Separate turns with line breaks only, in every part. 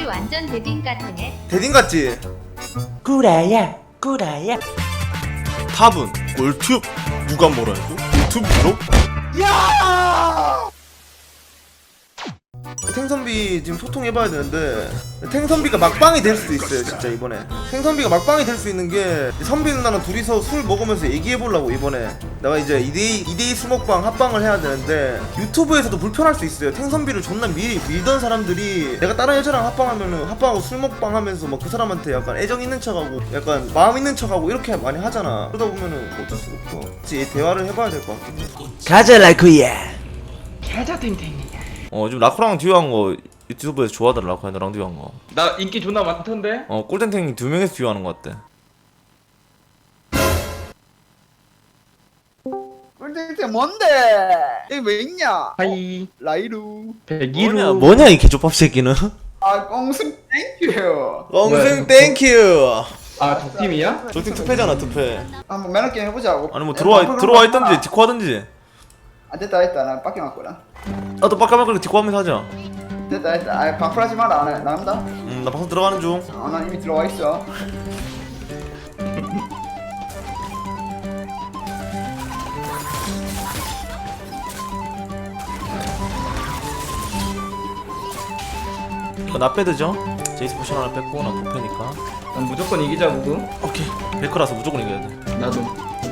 완전 대딩 같으네.
대딩 같지?
꾸라야 꾸라야.
탑은 꿀팁. 누가 뭐라 해도 유튜브로? 야! 탱선비 지금 소통해봐야 되는데 탱선비가 막방이 될 수도 있어요 진짜 이번에. 탱선비가 막방이 될 수 있는 게 선비 누나랑 둘이서 술 먹으면서 얘기해보려고 이번에. 내가 이제 2대2 수먹방 합방을 해야 되는데 유튜브에서도 불편할 수 있어요. 탱선비를 존나 밀던 사람들이 내가 다른 여자랑 합방하면은 합방하고 술 먹방 하면서 막 그 사람한테 약간 애정 있는 척하고 약간 마음 있는 척하고 이렇게 많이 하잖아. 그러다 보면은 어쩔 수가 없어. 그치, 대화를 해봐야 될 것 같긴 해.
가자 라쿠야. 가자 탱탱이야.
지금 라코랑 듀오 한거 유튜브에서 좋아하더라. 라코랑 너랑 듀오 한거.
나 인기 존나 많던데?
꿀탱탱이 2명에서 듀오 하는 거 같대.
꿀땡땡 뭔데? 여기 왜 있냐?
하이
라이루.
백이루
뭐냐 이 개조밥 새끼는.
아 꽁승 땡큐.
엉승 땡큐.
아 적팀이야?
조팀 투패잖아 투패.
한번 매너 게임 해보자고.
아니 뭐 들어와 있던지 디코 하던지.
아 됐다 나 빡게 맞거든.
나도 빡까막걸로 디코 하면서 하자.
됐다 아 방풀하지 마라 안 해. 나간다.
나 방송 들어가는 중.
난 이미 들어와 있어.
나 빼드죠? 제이스 포션 하나 뺐고 나 부패니까.
난 무조건 이기자 구구.
오케이. 베커라서 무조건 이겨야 돼.
나도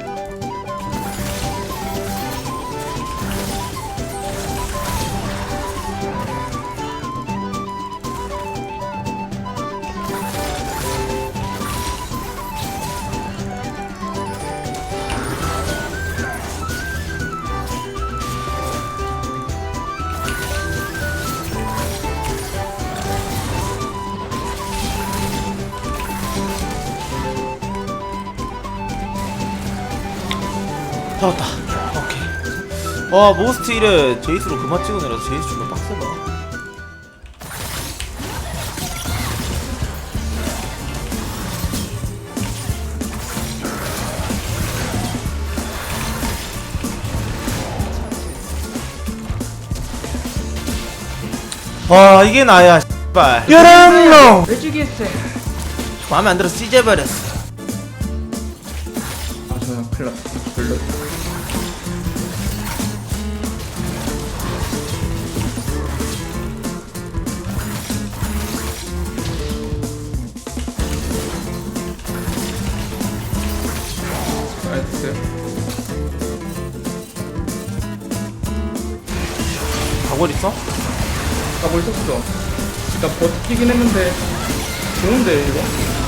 잡았다. 오케이. 와 모스트 1에 제이스로 그만 찍어내라서 제이스 존나 빡세다. 와 이게 나야 씨발. 여러분
왜 죽였어?
마음에 안 들어서 찢어버렸어.
아 저야 큰일났다 별로 나이스
가골 있어?
가볼 있었어 나 버티긴 했는데 좋은데 이거?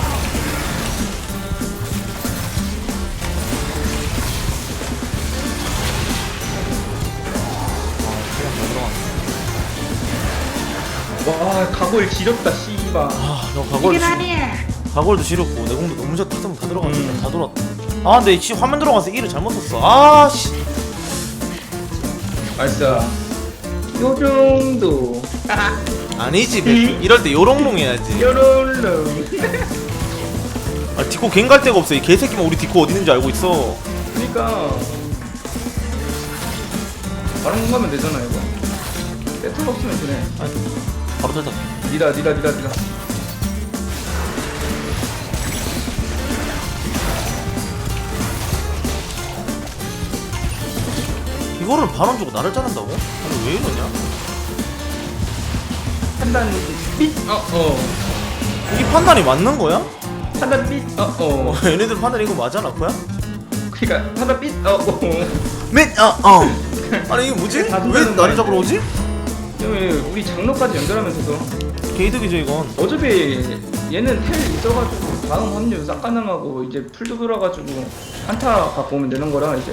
와 가골 지렸다 씨발
너 가골도 지렸고 내 공도 너무 잘 타서 다 들어갔는데 다 돌았다. 아 근데 이 화면 들어가서 1을 잘못 썼어. 아씨.
나이스 요 정도
아니지 이럴 때 요롱롱 해야지.
요롤롱
아 디코 갱 갈 데가 없어. 이 개새끼만 우리 디코 어디 있는지 알고 있어.
그니까 바로 가면 되잖아 이거 세트가 없으면 되네
바로 탈다.
니라
이거를 반원 주고 나를 자른다고? 아니 왜 이러냐?
판단 삐
이게 판단이 맞는 거야?
판단 삐
얘네들 판단 이거 맞아 라코야?
그니까 판단 삐
아니 이게 뭐지?
다
왜
준다는
나를
거
잡으러 오지?
왜 우리 장로까지 연결하면서도
개이득이죠 이건.
어차피 얘는 텔 있어가지고 다음 합류 싹 가능하고 이제 풀도 돌아가지고 한타 갖고 오면 되는 거라 이제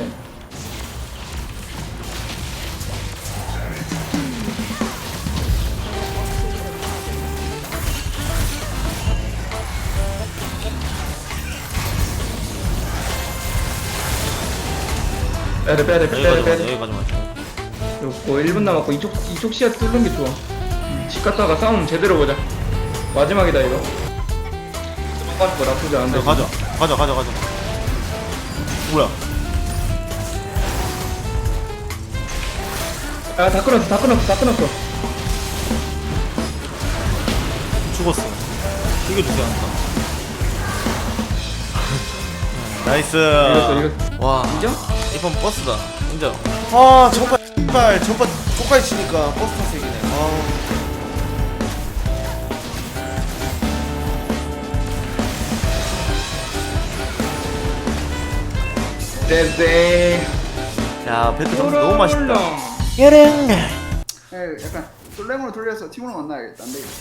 빼래
여기까지 맞아.
요거 1분 남았고 이쪽 시야 뚫는 게 좋아 집 갔다가 싸움 제대로 보자 마지막이다 이거 거 나쁘지 않은데
가자. 뭐야?
아 다 끊었어
죽었어. 이겨주세요. 나이스.
이겼어.
와,
인정?
이번 버스다. 인정. 아, 전파 조카에 치니까 버스 타서 이기네. 아.
쎄쎄.
야, 배트 너무 맛있다.
여름날
약간 솔랭으로 돌려서 팀으로 만나야겠다. 안 되겠다.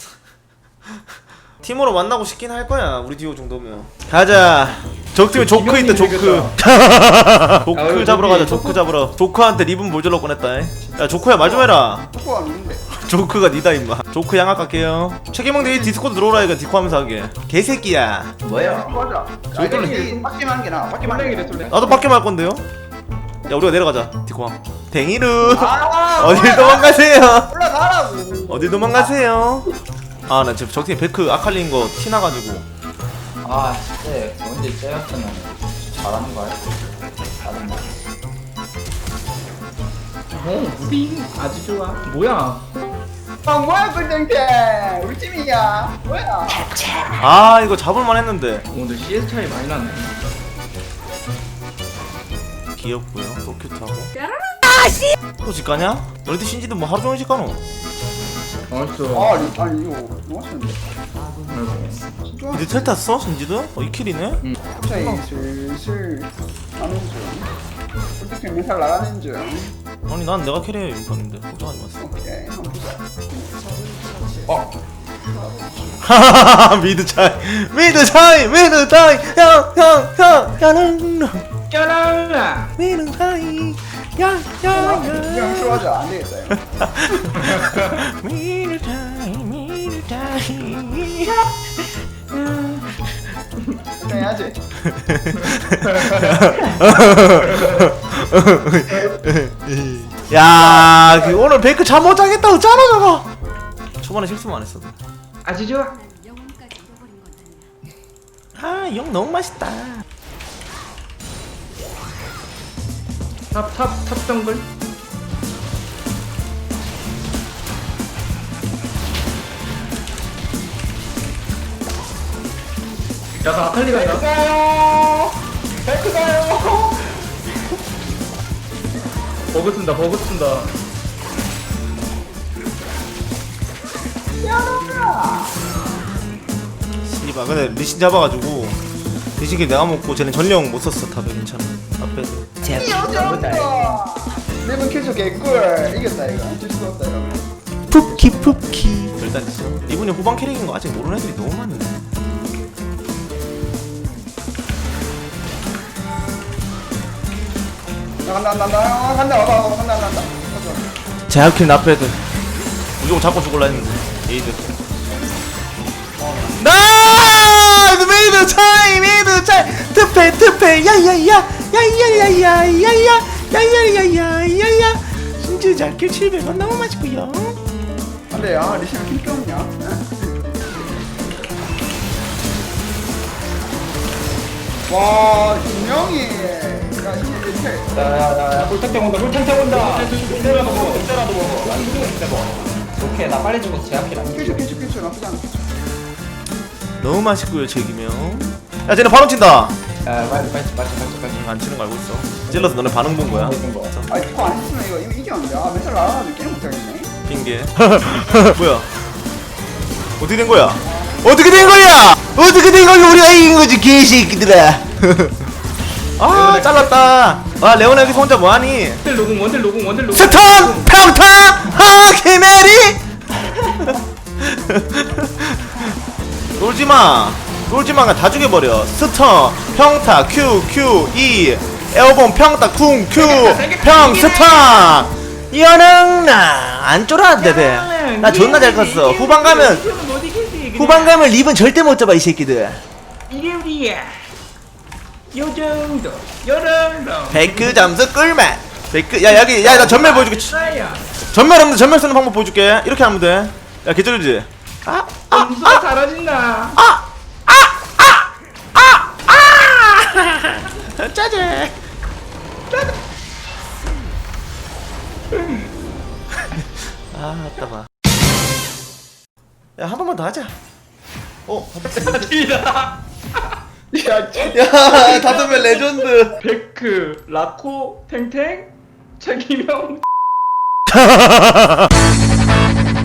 팀으로 만나고 싶긴 할 거야. 우리 듀오 정도면. 가자. 적팀에 조크 있다. 조크. 조크 잡으러 가자. 조크 잡으러. 조크한테 리본 모질러 꺼냈다. 야, 조크야 말 좀 해라.
초코가 있는데.
조크가 니다 임마. 조크 양악 갈게요. 최기몽 대 디스코드 들어오라 이거 디코 하면서 하게. 개새끼야.
뭐야?
맞아.
저희들은
빡게만 게 나아. 빡게만 게.
솔랭이래 솔랭.
나도 밖에 말 건데요. 야, 우리가 내려가자. 디코. 댕이루.
아,
어딜 도망가세요.
올라가라고.
어딜 도망가세요. 아, 나 지금 적팀 베크 아칼리인 거 티나가지고.
아 진짜 언제 째였으면 잘하는 거 알지? 잘하는 거.
무빙 아주 좋아. 뭐야?
아, 뭐야 꿀땡땡. 우리 팀이야. 뭐야?
아, 이거 잡을만 했는데.
오늘 CS 차이 많이 나네.
귀엽고요. 또 큐트하고. 또 집가냐? 너희들 신지도 뭐 하루 종일 집가노?
알았어.
아니 이거 너무 맛있는데. 진짜.
이제 텔 탔어? 신지도? 이 킬이네?
갑자기 슬슬 가는 중. 꿀땡땡 멘탈 나가는 중.
아니, 난 내가 캐리해 인판인데 걱정하지 마세요.
오케이 한번 보자.
하하하하. 미드 차이 미드 차이 미드 차이 형형형 야는
짜라라.
미드 차이 야야야
그냥 쇼하자. 안 되겠다 이거.
미드 차이 미드 차이
그냥 해야지.
야, 그 오늘 베이크 잠 못 자겠다 어쩌나 저거. 초반에 실수만 안 했어도.
아주 좋아.
아, 영 너무 맛있다.
탑 정글. 야, 나 아칼리가 있다. 버그 쓴다, 버그 쓴다.
씨발, 근데 리신 잡아가지고 리신킬 내가 먹고 쟤는 전령 못 썼어. 탑에 괜찮아. 앞에.
네번 캐쳐 개꿀. 이겼다 이거. 어쩔 수가 없다 이거.
푸키 푸키
일단 이분이 후반 캐릭인 거 아직 모르는 애들이 너무 많네.
간다 와봐 간다.
제아킬 나패드 무조건 잡고 죽을라 했는데 에이드. 나이스 미드 차이 미드 차이 트페 야야야 야야야야야야 야야야야야야 진짜 잘킬 700원 너무 맛있고요.
안돼 리시는 킹게 없냐? 와 김영희. 야 이게
야야야 꿀탱탱 온다 꿀탱탱 온다. 이때라도 먹어 이때라도 먹어. 난 이때 먹어. 오케이 나 빨리 죽어서 제압킬 안 해.
캐쳐 나쁘지 않아.
너무 맛있고요 제기명. 야 쟤네 바로 친다.
야 빨리
안 치는 거 알고 있어. 찔러서 너네 반응 본 거야.
있는 거.
아 이거 안 했으면 이거 이겼는데. 아 멘탈 나가가지고 게임 못하겠네.
핑계. 뭐야? 어떻게 된 거야? 어떻게 된 거야? 어떻게 된 거야? 우리가 이긴 거지 개새끼들아. 아 잘랐다. 아 레오나 여기서 혼자 뭐하니?
원딜 로공.
스턴 평타 하키메리. 놀지마가 다 죽여버려. 스턴 평타 Q E 에어본 평타 쿵 Q 평 스턴. 이거는 나안 쫄았는데 배. 나 존나 잘 컸어. 후반 가면 립은 절대 못 잡아 이 새끼들.
이게 우리야. 요 정도.
베크 잠수 꿀맛. 베크 야 여기 야 나 전멸 보여줄게.
나야.
전멸 없는데 전멸 쓰는 방법 보여줄게. 이렇게 하면 돼. 야 개쩔지.
점수가 사라진다.
짜제. 아, 아따 봐. 야 한 번만 더 하자.
팀이다. 야,
야 다섯 명 레전드.
베크, 라코, 탱탱, 최기명.